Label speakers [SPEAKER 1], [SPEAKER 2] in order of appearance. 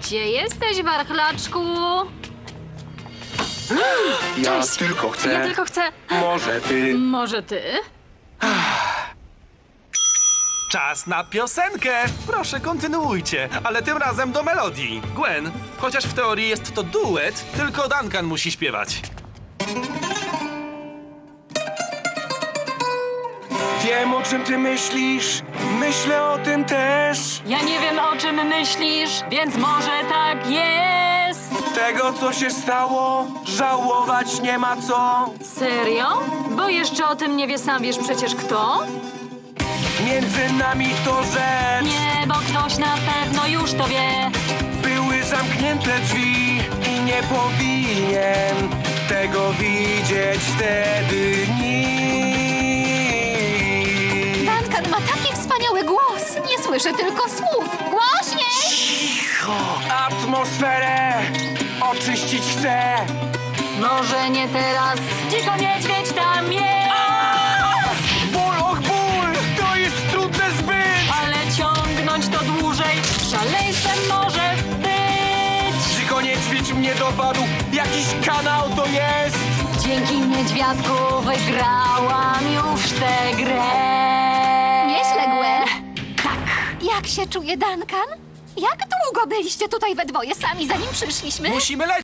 [SPEAKER 1] Gdzie jesteś, warchlaczku?
[SPEAKER 2] Ja
[SPEAKER 1] Cześć.
[SPEAKER 2] tylko chcę.
[SPEAKER 1] Ja tylko chcę...
[SPEAKER 2] Może ty.
[SPEAKER 1] Może ty?
[SPEAKER 3] Czas na piosenkę! Proszę, kontynuujcie, ale tym razem do melodii. Gwen, chociaż w teorii jest to duet, tylko Duncan musi śpiewać.
[SPEAKER 2] Wiem, o czym ty myślisz. Myślę o tym też.
[SPEAKER 1] Ja nie wiem, o czym myślisz, więc może tak jest.
[SPEAKER 2] Tego, co się stało, żałować nie ma co.
[SPEAKER 1] Serio? Bo jeszcze o tym nie wie, sam wiesz przecież kto?
[SPEAKER 2] Między nami to rzecz.
[SPEAKER 1] Nie, bo ktoś na pewno już to wie.
[SPEAKER 2] Były zamknięte drzwi i nie powinien tego widzieć wtedy nikt.
[SPEAKER 4] Duncan ma taki wspaniały głos. Nie słyszę tylko słów. Głośniej!
[SPEAKER 2] Atmosferę oczyścić chcę.
[SPEAKER 1] Może nie teraz. Dziko niedźwiedź tam jest.
[SPEAKER 2] Ból, och ból, to jest trudne zbyt.
[SPEAKER 1] Ale ciągnąć to dłużej szaleństwem może być.
[SPEAKER 2] Dziko niedźwiedź mnie dopadł, jakiś kanał to jest.
[SPEAKER 1] Dzięki niedźwiadku wygrałam już tę grę.
[SPEAKER 4] Nieźle, Gwen. Tak. Jak się czuje Duncan? Jak długo byliście tutaj we dwoje sami, zanim przyszliśmy?
[SPEAKER 3] Musimy lecieć!